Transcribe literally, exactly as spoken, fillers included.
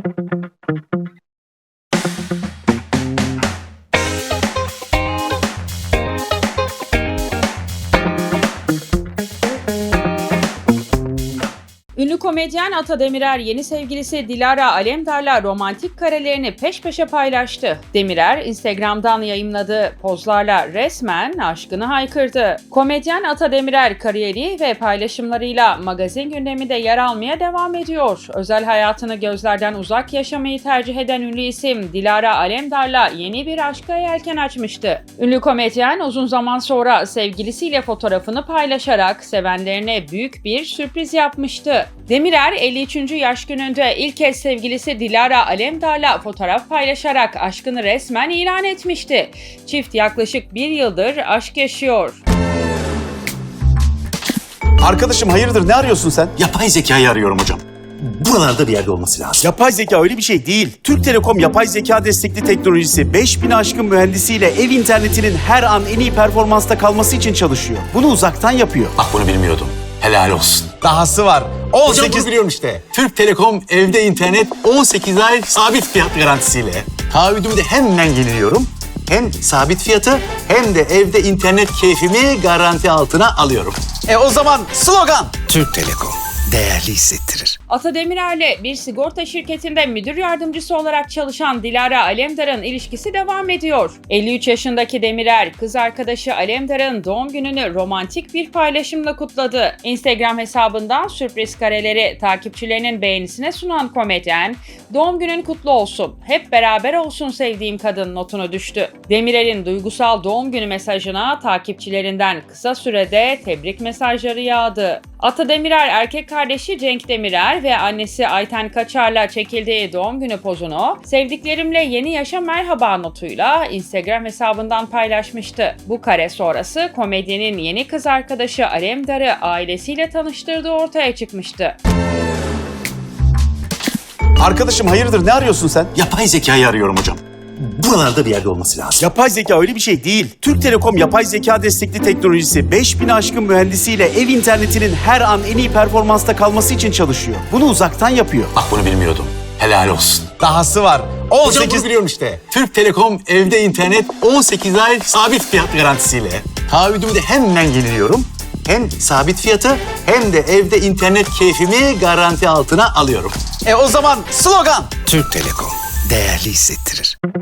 Ünlü komedyen Ata Demirer yeni sevgilisi Dilara Alemdar'la romantik karelerini peş peşe paylaştı. Demirer, Instagram'dan yayımladığı pozlarla resmen aşkını haykırdı. Komedyen Ata Demirer kariyeri ve paylaşımlarıyla magazin gündeminde yer almaya devam ediyor. Özel hayatını gözlerden uzak yaşamayı tercih eden ünlü isim Dilara Alemdar'la yeni bir aşka yelken açmıştı. Ünlü komedyen uzun zaman sonra sevgilisiyle fotoğrafını paylaşarak sevenlerine büyük bir sürpriz yapmıştı. Demirer elli üçüncü yaş gününde ilk kez sevgilisi Dilara Alemdar'la fotoğraf paylaşarak aşkını resmen ilan etmişti. Çift yaklaşık bir yıldır aşk yaşıyor. Arkadaşım hayırdır, ne arıyorsun sen? Yapay zekayı arıyorum hocam. Buralarda bir yerde olması lazım. Yapay zeka öyle bir şey değil. Türk Telekom yapay zeka destekli teknolojisi beş bin aşkın mühendisiyle ev internetinin her an en iyi performansta kalması için çalışıyor. Bunu uzaktan yapıyor. Bak bunu bilmiyordum. Helal olsun. Dahası var. on sekiz... Hocam bunu biliyorum işte. Türk Telekom evde internet on sekiz ay sabit fiyat garantisiyle. Taahhüdümü de hemen yeniliyorum. Hem sabit fiyatı hem de evde internet keyfimi garanti altına alıyorum. E o zaman slogan. Türk Telekom değerli hissettirir. Ata Demirer'le bir sigorta şirketinde müdür yardımcısı olarak çalışan Dilara Alemdar'ın ilişkisi devam ediyor. elli üç yaşındaki Demirer, kız arkadaşı Alemdar'ın doğum gününü romantik bir paylaşımla kutladı. Instagram hesabından sürpriz kareleri takipçilerinin beğenisine sunan komedyen, "Doğum günün kutlu olsun, hep beraber olsun sevdiğim kadın" notunu düştü. Demirer'in duygusal doğum günü mesajına takipçilerinden kısa sürede tebrik mesajları yağdı. Ata Demirer erkek kardeşi Cenk Demirer ve annesi Ayten Kaçar'la çekildiği doğum günü pozunu "Sevdiklerimle yeni yaşa merhaba" notuyla Instagram hesabından paylaşmıştı. Bu kare sonrası komedyenin yeni kız arkadaşı Alemdar'ı ailesiyle tanıştırdığı ortaya çıkmıştı. Arkadaşım hayırdır, ne arıyorsun sen? Yapay zekayı arıyorum hocam. Buralarda bir yerde olması lazım. Yapay zeka öyle bir şey değil. Türk Telekom yapay zeka destekli teknolojisi beş bin aşkın mühendisiyle ev internetinin her an en iyi performansta kalması için çalışıyor. Bunu uzaktan yapıyor. Bak bunu bilmiyordum. Helal olsun. Dahası var. on Hocam sekiz... bunu biliyorum işte. Türk Telekom evde internet on sekiz ay sabit fiyat garantisiyle. Taahhüdümü de hemen yeniliyorum. Hem sabit fiyatı hem de evde internet keyfimi garanti altına alıyorum. E o zaman slogan. Türk Telekom değerli hissettirir.